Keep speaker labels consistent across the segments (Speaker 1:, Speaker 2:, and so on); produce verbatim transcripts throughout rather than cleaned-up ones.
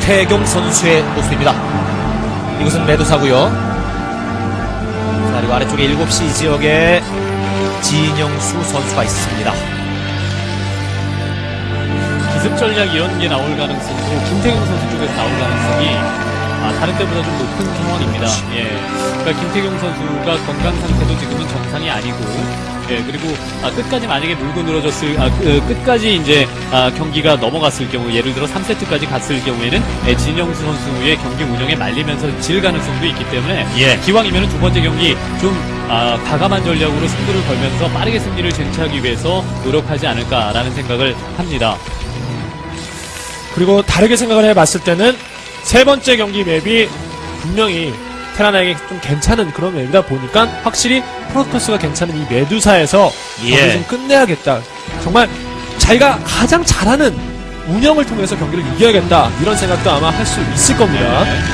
Speaker 1: 김태경 선수의 모습입니다. 이곳은 매도사고요. 자, 그리고 아래쪽에 일곱 시 지역에 진영수 선수가 있습니다.
Speaker 2: 기습 전략 이런 게 나올 가능성도 김태경 선수 쪽에서 나올 가능성이 아, 다른 때보다 좀 높은 상황입니다. 예. 그러니까 김태경 선수가 건강 상태도 지금은 정상이 아니고, 예. 그리고 아, 끝까지 만약에 물고 늘어졌을, 아, 그, 끝까지 이제 아, 경기가 넘어갔을 경우, 예를 들어 삼 세트까지 갔을 경우에는 예, 진영수 선수의 경기 운영에 말리면서 질 가능성도 있기 때문에
Speaker 1: 예.
Speaker 2: 기왕이면 두 번째 경기 좀 아, 과감한 전략으로 승부를 걸면서 빠르게 승리를 쟁취하기 위해서 노력하지 않을까라는 생각을 합니다.
Speaker 3: 그리고 다르게 생각을 해봤을 때는 세 번째 경기 맵이 분명히 테라나에게 좀 괜찮은 그런 맵이다 보니까 확실히 프로토스가 괜찮은 이 메두사에서
Speaker 1: 예.
Speaker 3: 경기를 좀 끝내야겠다. 정말 자기가 가장 잘하는 운영을 통해서 경기를 이겨야겠다. 이런 생각도 아마 할 수 있을 겁니다.
Speaker 2: 네.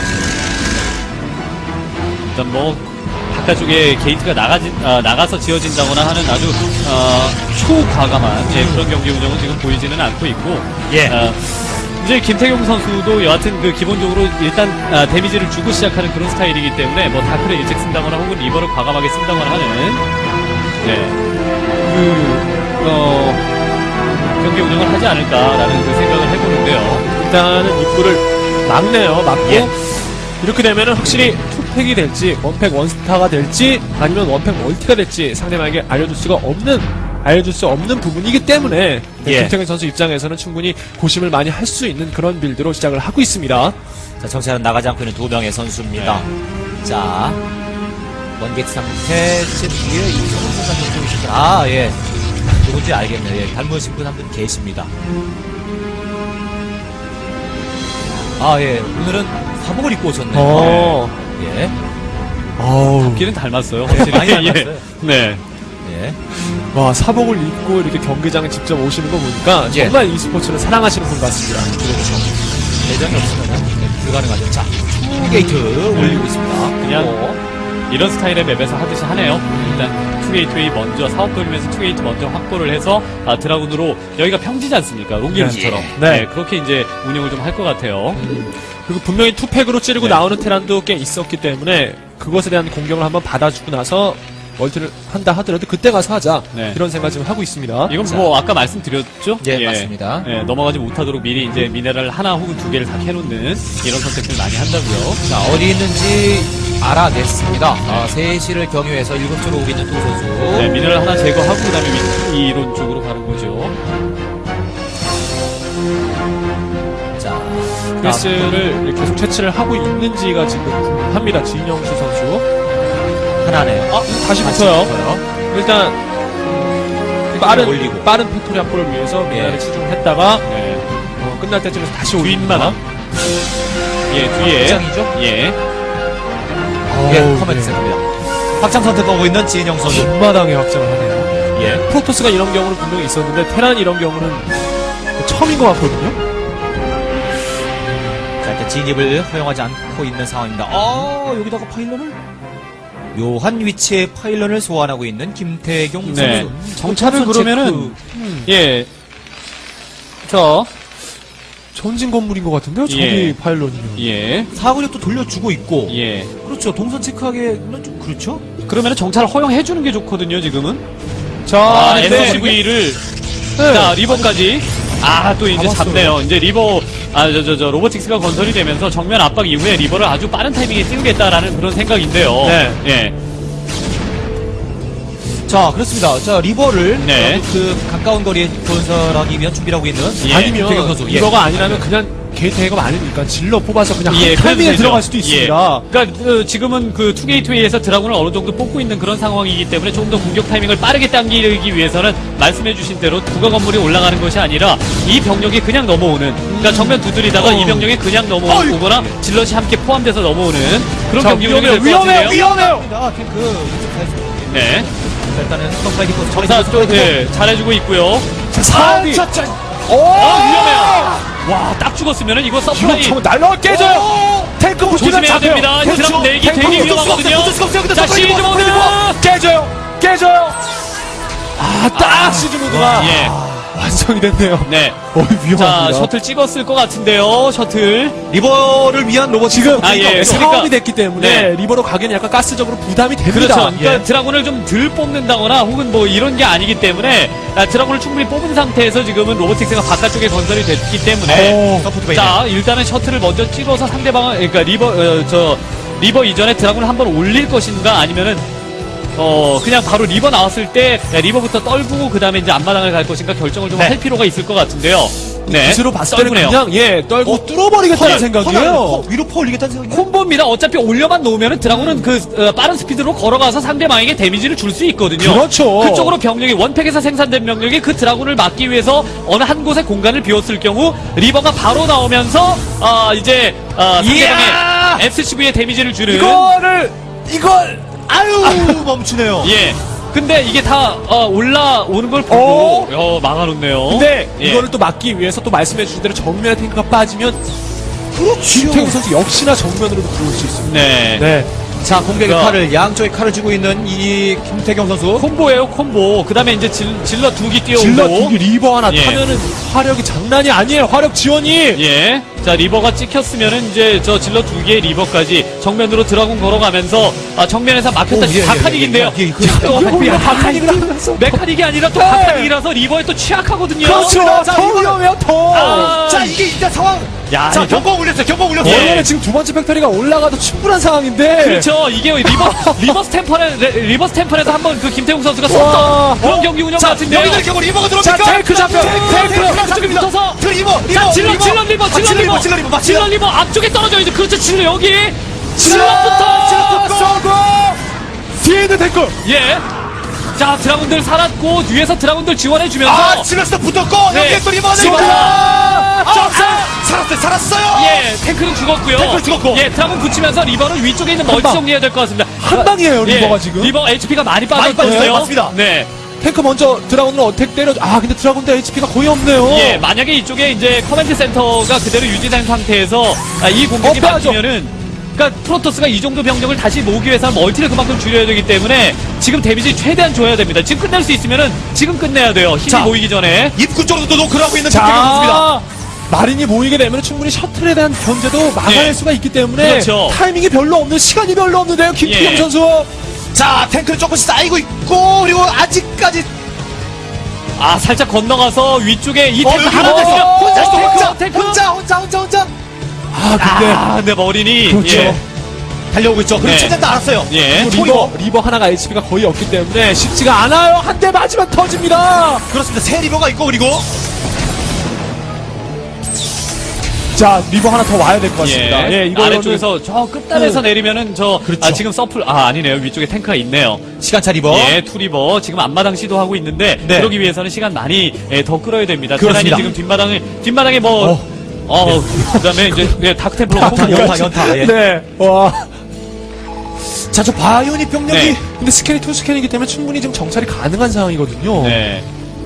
Speaker 2: 일단 뭐 바깥쪽에 게이트가 나가지, 아, 나가서 지어진다거나 하는 아주 어, 초과감한 예, 그런 경기 운영은 지금 보이지는 않고 있고
Speaker 1: 예.
Speaker 2: 어, 이제 김태경 선수도 여하튼 그 기본적으로 일단 아, 데미지를 주고 시작하는 그런 스타일이기 때문에 뭐 다크를 일찍 쓴다거나 혹은 리버를 과감하게 쓴다거나 하는 네, 그 어, 경기 운영을 하지 않을까라는 그 생각을 해보는데요.
Speaker 3: 일단은 입구를 막네요. 막고
Speaker 1: 예.
Speaker 3: 이렇게 되면은 확실히 투팩이 될지 원팩 원스타가 될지 아니면 원팩 멀티가 될지 상대방에게 알려줄 수가 없는 알려줄 수 없는 부분이기 때문에
Speaker 1: 예.
Speaker 3: 김태경 선수 입장에서는 충분히 고심을 많이 할 수 있는 그런 빌드로 시작을 하고 있습니다.
Speaker 1: 자, 정찰은 나가지 않고 있는 두 명의 선수입니다. 자, 원게이트 상태 제 뒤에 이성훈 선수가 좀 있었죠. 아, 예. 누군지 알겠네요. 예. 닮으신 분 한 분 계십니다. 아, 예. 오늘은 사복을 입고 오셨네요.
Speaker 3: 어.
Speaker 1: 예.
Speaker 3: 어우.
Speaker 2: 길은 닮았어요. 확실히.
Speaker 1: 많이 닮았어요.
Speaker 2: 네.
Speaker 1: 예.
Speaker 3: 와, 사복을 입고 이렇게 경기장에 직접 오시는 거 보니까
Speaker 1: 예.
Speaker 3: 정말 이 스포츠를 사랑하시는 분 같습니다.
Speaker 1: 그렇죠. 대장이 없으면 불가능하죠. 자, 투게이트 올리고 있습니다.
Speaker 2: 그냥
Speaker 1: 어.
Speaker 2: 이런 스타일의 맵에서 하듯이 하네요. 일단 투게이트웨이 먼저 사업 돌리면서 투게이트 먼저 확보를 해서 아, 드라군으로 여기가 평지지 않습니까? 롱게임처럼.
Speaker 3: 네.
Speaker 2: 네. 그렇게 이제 운영을 좀 할 것 같아요.
Speaker 3: 그리고 분명히 투팩으로 찌르고
Speaker 2: 네.
Speaker 3: 나오는 테란도 꽤 있었기 때문에 그것에 대한 공격을 한번 받아주고 나서 멀티를 한다 하더라도 그때 가서 하자.
Speaker 2: 네.
Speaker 3: 이런 생각 지금 하고 있습니다.
Speaker 2: 이건
Speaker 1: 자.
Speaker 2: 뭐 아까 말씀드렸죠?
Speaker 1: 예, 맞습니다.
Speaker 2: 예, 넘어가지 못하도록 미리 이제 미네랄 하나 혹은 두 개를 다 캐놓는 이런 선택들 많이 한다고요.
Speaker 1: 자, 어디 있는지 알아냈습니다. 아, 세 시를 경유해서 일곱 쪽으로 오고 있는 두 선수.
Speaker 2: 네, 미네랄 하나 제거하고 그다음에 위- 이론 쪽으로 가는 거죠.
Speaker 1: 자,
Speaker 3: 프레스를 계속 채취를 하고 있는지가 지금 궁금합니다. 진영수 선수.
Speaker 1: 하나네요. 아,
Speaker 3: 다시 붙어요. 일단 음, 빠른
Speaker 1: 올리고.
Speaker 3: 빠른 팩토리 확보를 위해서 미나를
Speaker 1: 예.
Speaker 3: 치중했다가
Speaker 2: 네.
Speaker 3: 어, 끝날 때쯤에서 다시
Speaker 2: 뒷마당.
Speaker 3: 올립니다.
Speaker 2: 예, 뒤에.
Speaker 1: 확장이죠?
Speaker 2: 예.
Speaker 1: 예,
Speaker 3: 어우,
Speaker 1: 커맨드
Speaker 3: 네.
Speaker 1: 센터입니다. 확장 선택하고 있는 진영 선수.
Speaker 3: 뒷마당에 확장을 하네요.
Speaker 1: 예.
Speaker 3: 프로토스가 이런 경우는 분명히 있었는데 테란 이런 경우는 처음인 것 같거든요.
Speaker 1: 자, 일단 진입을 허용하지 않고 있는 상황입니다. 어, 여기다가 파일런을? 묘한 위치에 파일런을 소환하고 있는 김태경
Speaker 2: 네.
Speaker 1: 선수.
Speaker 2: 정찰을
Speaker 1: 선수
Speaker 2: 그러면은,
Speaker 1: 체크.
Speaker 2: 예. 저,
Speaker 3: 전진 건물인 것 같은데요. 저기
Speaker 2: 예.
Speaker 3: 파일런이면.
Speaker 2: 예.
Speaker 1: 사거리도 돌려주고 있고.
Speaker 2: 예.
Speaker 1: 그렇죠. 동선 체크하기에는 좀 그렇죠.
Speaker 2: 그러면은 정찰을 허용해주는 게 좋거든요, 지금은.
Speaker 3: 자,
Speaker 2: 아,
Speaker 3: 근데
Speaker 2: 에스씨브이를.
Speaker 3: 네.
Speaker 2: 자, 리버까지. 아, 또 이제
Speaker 3: 잡았어요.
Speaker 2: 잡네요. 이제 리버, 아, 저, 저, 저, 로보틱스가 건설이 되면서 정면 압박 이후에 리버를 아주 빠른 타이밍에 띄우겠다라는 그런 생각인데요.
Speaker 3: 네.
Speaker 2: 예.
Speaker 1: 자, 그렇습니다. 자, 리버를
Speaker 2: 네.
Speaker 1: 그 가까운 거리에 건설하기 위한 준비를 하고 있는
Speaker 2: 예.
Speaker 3: 아니면
Speaker 1: 김태경 선수. 예.
Speaker 3: 리버가 아니라면 그냥 게이트 해가 아니니까 질러 뽑아서 그냥
Speaker 2: 예,
Speaker 3: 한 타이밍에
Speaker 2: 그래도 되죠.
Speaker 3: 들어갈 수도
Speaker 2: 예.
Speaker 3: 있습니다.
Speaker 2: 그러니까 그, 지금은 그 투게이트웨이에서 드라군을 어느 정도 뽑고 있는 그런 상황이기 때문에 좀 더 공격 타이밍을 빠르게 당기기 위해서는 말씀해주신 대로 부가 건물이 올라가는 것이 아니라 이 병력이 그냥 넘어오는. 그러니까 정면 두드리다가
Speaker 3: 어.
Speaker 2: 이 병력이 그냥 넘어오거나 질럿이 함께 포함돼서 넘어오는 그런
Speaker 3: 자,
Speaker 2: 경기 운영이
Speaker 3: 위험해요,
Speaker 2: 될 것 같은데요.
Speaker 3: 위험해요, 위험해요.
Speaker 1: 아, 탱크 이쪽 사이즈.
Speaker 2: 네.
Speaker 1: 자, 일단은 스톱파이기 포스
Speaker 2: 정사 쪽 예, 잘해주고 있고요.
Speaker 3: 자, 사업이
Speaker 1: 자, 자,
Speaker 3: 오!
Speaker 2: 아, 위험해요. 와, 딱 죽었으면은 이거
Speaker 3: 이거
Speaker 2: 서프라이
Speaker 3: 정말 날라와 깨져요. 탱크 붙이면
Speaker 2: 조심해야
Speaker 3: 잡혀요.
Speaker 2: 됩니다.
Speaker 3: 그렇죠.
Speaker 2: 드라군 내기
Speaker 3: 탱크
Speaker 2: 되게
Speaker 3: 붙을 수가
Speaker 2: 위험하거든요.
Speaker 3: 없어요, 붙을 수가 없어요. 근데
Speaker 2: 자,
Speaker 3: 서프라이
Speaker 2: 시즈
Speaker 3: 못
Speaker 2: 모드.
Speaker 3: 깨져요. 깨져요. 깨져요. 아, 딱 시즈 모드가.
Speaker 2: 예.
Speaker 3: 와, 완성이 됐네요.
Speaker 2: 네.
Speaker 3: 어이,
Speaker 2: 자,
Speaker 3: 위험합니다.
Speaker 2: 셔틀 찍었을 것 같은데요. 셔틀.
Speaker 1: 리버를 위한 로봇
Speaker 3: 지금
Speaker 2: 아, 예.
Speaker 3: 상황이
Speaker 2: 그러니까-
Speaker 3: 됐기 때문에
Speaker 2: 네.
Speaker 3: 리버로 가기에는 약간 가스적으로 부담이 됩니다.
Speaker 2: 그렇죠. 그러니까
Speaker 3: 예.
Speaker 2: 드라군을 좀 덜 뽑는다거나 혹은 뭐 이런 게 아니기 때문에 아, 드라군을 충분히 뽑은 상태에서 지금은 로보틱스가 바깥쪽에 건설이 됐기 때문에
Speaker 3: 오,
Speaker 1: 서포트 베이네.
Speaker 2: 자, 일단은 셔틀을 먼저 찍어서 상대방을, 그러니까 리버, 어, 저, 리버 이전에 드라군을 한번 올릴 것인가 아니면은, 어, 그냥 바로 리버 나왔을 때, 야, 리버부터 떨구고 그 다음에 이제 앞마당을 갈 것인가 결정을 좀 할
Speaker 1: 네.
Speaker 2: 필요가 있을 것 같은데요. 네.
Speaker 3: 붓으로 봤을 때는
Speaker 2: 떨구네요.
Speaker 3: 그냥 예 떨고
Speaker 1: 어,
Speaker 3: 뚫어버리겠다는
Speaker 1: 퍼-
Speaker 3: 생각이에요.
Speaker 1: 퍼- 위로 퍼 올리겠다는 생각이에요.
Speaker 2: 콤보입니다. 어차피 올려만 놓으면은 드라군은 그, 어, 빠른 스피드로 걸어가서 상대방에게 데미지를 줄 수 있거든요.
Speaker 3: 그렇죠.
Speaker 2: 그쪽으로 병력이, 원팩에서 생산된 병력이 그 드라군을 막기 위해서 어느 한 곳에 공간을 비웠을 경우, 리버가 바로 나오면서, 아, 이제, 아,
Speaker 1: 이야!
Speaker 2: 상대방의 에스씨브이에 데미지를 주는.
Speaker 3: 이거를 이걸
Speaker 1: 아유 멈추네요.
Speaker 2: 예. 근데 이게 다 어, 올라오는 걸 보고 어, 막아놓네요.
Speaker 3: 근데
Speaker 2: 예.
Speaker 3: 이거를 또 막기 위해서 또 말씀해 주신 대로 정면에 탱크가 빠지면
Speaker 1: 그렇죠.
Speaker 3: 김태훈 선수 역시나 정면으로 들어올 수 있습니다.
Speaker 2: 네.
Speaker 3: 네.
Speaker 1: 자 공격의
Speaker 2: 자.
Speaker 1: 칼을 양쪽의 칼을 쥐고 있는 이 김태경 선수.
Speaker 2: 콤보예요, 콤보. 그 다음에 이제 질, 질러 두 개 뛰어오고.
Speaker 3: 질러 두기 리버 하나
Speaker 2: 예.
Speaker 3: 타면은 화력이 장난이 아니에요. 화력 지원이.
Speaker 2: 예. 자, 리버가 찍혔으면은 이제 저 질러 두 개의 리버까지 정면으로 드라군 걸어가면서 아, 정면에서 막혔다.
Speaker 1: 오, 예, 예,
Speaker 2: 바카닉인데요.
Speaker 1: 예, 예, 예, 그-
Speaker 2: 자, 또
Speaker 3: 이거
Speaker 2: 야,
Speaker 3: 바카닉을 하면서
Speaker 2: 메카닉이 아니라 또
Speaker 3: 네.
Speaker 2: 바카닉이라서 리버에 또 취약하거든요.
Speaker 3: 그렇죠.
Speaker 1: 자,
Speaker 3: 더
Speaker 1: 이거는-
Speaker 3: 위험해요. 더.
Speaker 2: 아,
Speaker 1: 자 이게 일단 상황.
Speaker 2: 야,
Speaker 1: 자
Speaker 2: 이거-
Speaker 1: 경고 올렸어요. 경고 올렸어요.
Speaker 2: 예.
Speaker 3: 원래는 지금 두 번째 팩토리가 올라가도 충분한 상황인데.
Speaker 2: 그렇죠. 이게 리버, 리버 스탬퍼에, 리버 스탬퍼에서 한번 그 김태웅 선수가
Speaker 3: 와.
Speaker 2: 썼던 그런 경기 운영
Speaker 1: 자
Speaker 2: 같은데요.
Speaker 1: 여기들 경고 리버가
Speaker 3: 자,
Speaker 1: 들어옵니까?
Speaker 3: 탱크 잡혀.
Speaker 1: 탱크
Speaker 3: 탱크.
Speaker 1: 탱크
Speaker 2: 앞쪽에 붙어서.
Speaker 1: 그 리버 리버
Speaker 2: 자, 질러, 질러 리버,
Speaker 1: 아,
Speaker 2: 질러 리버.
Speaker 1: 질러 리버
Speaker 2: 질러
Speaker 1: 맞습니다.
Speaker 2: 리버 앞쪽에 떨어져야죠. 그렇죠. 질러 여기.
Speaker 3: 질러
Speaker 2: 질러부터.
Speaker 3: 쏘고 뒤에 있는 탱크.
Speaker 2: 예. 자, 드라군들 살았고, 뒤에서 드라군들 지원해주면서.
Speaker 1: 아 질러스도 붙었고
Speaker 2: 네.
Speaker 1: 여기에 또 리버가
Speaker 2: 질러.
Speaker 1: 들어옵니다. 아,
Speaker 2: 점사.
Speaker 1: 아, 살았어요. 살았어요.
Speaker 2: 예, 탱크는 죽었고요.
Speaker 1: 탱크는 죽었고.
Speaker 2: 예, 드라군 붙이면서 리버는 위쪽에 있는 멀티
Speaker 3: 방.
Speaker 2: 정리해야 될 것 같습니다.
Speaker 3: 한 방이에요,
Speaker 2: 예,
Speaker 3: 리버가 지금.
Speaker 2: 리버 에이치피가 많이
Speaker 1: 많이
Speaker 2: 빠졌거든요.
Speaker 1: 빠졌어요. 맞습니다.
Speaker 2: 네.
Speaker 3: 탱크 먼저 드라군으로 어택 때려. 아 근데 드라군도 에이치피가 거의 없네요.
Speaker 2: 예, 만약에 이쪽에 이제 커맨드 센터가 그대로 유지된 상태에서 아, 이 공격이
Speaker 3: 어, 빼야죠.
Speaker 2: 막히면은 그러니까 프로토스가 이 정도 병력을 다시 모으기 위해서는 멀티를 그만큼 줄여야 되기 때문에 지금 데미지 최대한 줘야 됩니다. 지금 끝낼 수 있으면은 지금 끝내야 돼요. 힘이
Speaker 1: 자.
Speaker 2: 모이기 전에.
Speaker 1: 입구 쪽으로도 노크를 하고 있는 김태경 선수입니다.
Speaker 3: 자, 마린이 모이게 되면 충분히 셔틀에 대한 견제도 막아낼
Speaker 2: 네.
Speaker 3: 수가 있기 때문에
Speaker 2: 그렇죠.
Speaker 3: 타이밍이 별로 없는 시간이 별로 없는데요, 김태경
Speaker 2: 예.
Speaker 3: 선수.
Speaker 1: 자 탱크는 조금씩 쌓이고 있고 그리고 아직까지
Speaker 2: 아, 살짝 건너가서 위쪽에 이
Speaker 1: 어,
Speaker 2: 탱크
Speaker 1: 여기
Speaker 2: 하나
Speaker 1: 혼자
Speaker 2: 더
Speaker 1: 있어요. 혼자 있어,
Speaker 2: 탱크,
Speaker 1: 혼자,
Speaker 2: 탱크.
Speaker 1: 혼자 혼자 혼자 혼자
Speaker 3: 아 근데
Speaker 2: 아, 네, 머리니.
Speaker 3: 그렇죠.
Speaker 2: 예.
Speaker 1: 달려오고 있죠. 그리고
Speaker 2: 네.
Speaker 1: 최대한 다 알았어요.
Speaker 2: 예.
Speaker 3: 리버, 리버 리버 하나가 에이치피가 거의 없기 때문에 쉽지가 않아요. 한 대 맞으면 터집니다.
Speaker 1: 그렇습니다. 새 리버가 있고 그리고
Speaker 3: 자 리버 하나 더 와야 될 것 같습니다.
Speaker 2: 예,
Speaker 3: 예, 이거는
Speaker 2: 아래쪽에서 저 끝단에서
Speaker 3: 음.
Speaker 2: 내리면은 저
Speaker 1: 그렇죠.
Speaker 2: 아, 지금 서플 아 아니네요 위쪽에 탱크가 있네요.
Speaker 1: 시간차 리버.
Speaker 2: 예, 투리버 지금 앞마당 시도하고 있는데
Speaker 1: 네.
Speaker 2: 그러기 위해서는 시간 많이 예, 더 끌어야 됩니다.
Speaker 1: 그렇습니다.
Speaker 2: 테란이 지금 뒷마당을 뒷마당에 뭐
Speaker 3: 어.
Speaker 2: 어, 그다음에 이제 예, 다크템플러
Speaker 1: 연타,
Speaker 2: 콤보.
Speaker 1: 연타, 연타. 예.
Speaker 3: 네. 와.
Speaker 1: 자, 저 바이오닉 병력이
Speaker 2: 네.
Speaker 3: 근데 스캔이 투 스캔이기 때문에 충분히 지금 정찰이 가능한 상황이거든요.
Speaker 2: 네.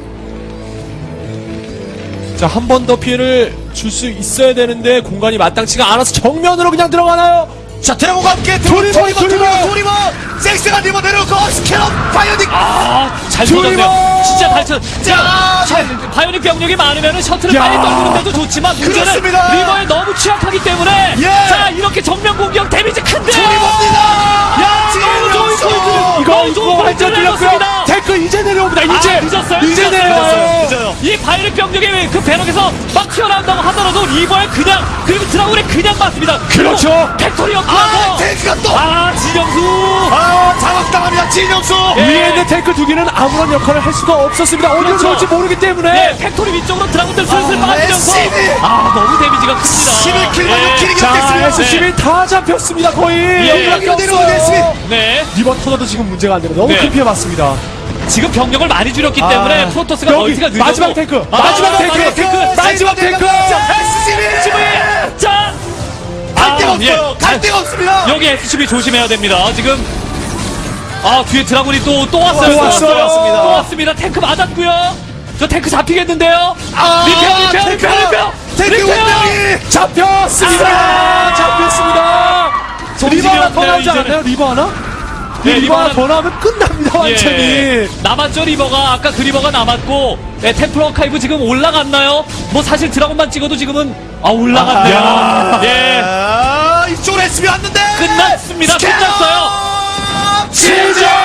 Speaker 3: 자, 한 번 더 피해를 줄 수 있어야 되는데 공간이 마땅치가 않아서 정면으로 그냥 들어가나요?
Speaker 1: 자, 드래곤과 함께
Speaker 3: 조리버,
Speaker 1: 조리버, 조리버,
Speaker 3: 조리버.
Speaker 1: 조리버, 섹스한 리버 내려오고 스캐럿 바이오닉.
Speaker 2: 아, 잘
Speaker 3: 투리버!
Speaker 2: 쏘졌네요. 진짜 잘 쳤.
Speaker 1: 자,
Speaker 2: 자, 바이오닉 병력이 많으면은 셔틀을
Speaker 3: 야.
Speaker 2: 빨리 떨구는데도 좋지만 문제는
Speaker 1: 그렇습니다.
Speaker 2: 리버에 너무 취약하기 때문에
Speaker 1: 예.
Speaker 2: 자 이렇게 정면 공격 데미지 큰데요.
Speaker 1: 조리버입니다.
Speaker 2: 야, 너무 좋은
Speaker 1: 진영수.
Speaker 2: 포인트.
Speaker 3: 이거
Speaker 2: 너무 좋은
Speaker 3: 이거
Speaker 2: 포인트를
Speaker 3: 완전 들렸고요.
Speaker 2: 내줬습니다.
Speaker 3: 탱크 이제 내려옵니다. 이제
Speaker 2: 아, 늦었어요.
Speaker 3: 이제
Speaker 2: 늦었어요.
Speaker 3: 내려와요.
Speaker 1: 늦어요.
Speaker 2: 이 바이오닉 병력의 그 배럭에서 막 튀어나온다고 하더라도 리버에 그냥 그리고 드라군에 그냥 맞습니다.
Speaker 3: 그렇죠.
Speaker 2: 팩토리
Speaker 1: 아,
Speaker 2: 업하고
Speaker 1: 탱크가 또.
Speaker 2: 아 진영수.
Speaker 1: 아, 장악당합니다. 진영수.
Speaker 2: 예.
Speaker 3: 위에 있는 탱크 두 개는 아무런 역할을 할 수가 없었습니다. 어디로
Speaker 2: 그렇죠.
Speaker 3: 들어올지 모르기 때문에.
Speaker 2: 예, 팩토리 위쪽으로 드라군들 슬슬
Speaker 1: 아,
Speaker 2: 빠지면서
Speaker 1: 에스씨비.
Speaker 2: 아 너무 데미지가 큽니다.
Speaker 1: 십일 킬만
Speaker 2: 예.
Speaker 1: 육 킬이
Speaker 3: 자,
Speaker 1: 됐습니다.
Speaker 3: 에스씨비 다 잡혔습니다. 거의.
Speaker 2: 예.
Speaker 1: 여기로 내려오는 에스씨비.
Speaker 2: 네.
Speaker 3: 리버 터져도 지금 문제가 안 되는 너무
Speaker 2: 네.
Speaker 3: 큰 피해 봤습니다.
Speaker 2: 지금 병력을 많이 줄였기
Speaker 3: 아,
Speaker 2: 때문에 프로토스가
Speaker 3: 여기
Speaker 2: 멀티가 늦어도
Speaker 3: 마지막 탱크,
Speaker 2: 아,
Speaker 3: 마지막 탱크,
Speaker 2: 마지막 탱크,
Speaker 3: 마지막 탱크.
Speaker 1: 에스씨비.
Speaker 2: 자,
Speaker 1: 갈 데가
Speaker 2: 아, 예.
Speaker 1: 없어요. 갈 데가 없습니다.
Speaker 2: 여기 에스씨비 조심해야 됩니다. 지금 아 뒤에 드라군이 또 또 왔어요.
Speaker 3: 또 왔어요.
Speaker 2: 왔습니다. 또 왔습니다. 탱크 맞았고요. 저 탱크 잡히겠는데요.
Speaker 1: 아,
Speaker 2: 리페어, 리페어, 리페어, 리페어,
Speaker 1: 탱크
Speaker 2: 리페어.
Speaker 1: 운명이.
Speaker 3: 잡혔습니다.
Speaker 2: 아,
Speaker 3: 잡혔습니다. 리버 하나 더
Speaker 2: 없네요,
Speaker 3: 나오지
Speaker 2: 이제는.
Speaker 3: 않았나요? 리버 하나?
Speaker 2: 예,
Speaker 3: 리버 하나
Speaker 2: 리버는-
Speaker 3: 더 나오면 끝납니다, 완전히.
Speaker 2: 예. 남았죠 리버가. 아까 그 리버가 남았고 예, 템플 어카이브 지금 올라갔나요? 뭐 사실 드라곤만 찍어도 지금은 아 올라갔네요.
Speaker 3: 아,
Speaker 2: 예.
Speaker 4: 아, 이쪽으로 에스비 왔는데
Speaker 2: 끝났습니다.
Speaker 4: 스캐너!
Speaker 2: 끝났어요.
Speaker 4: 지지!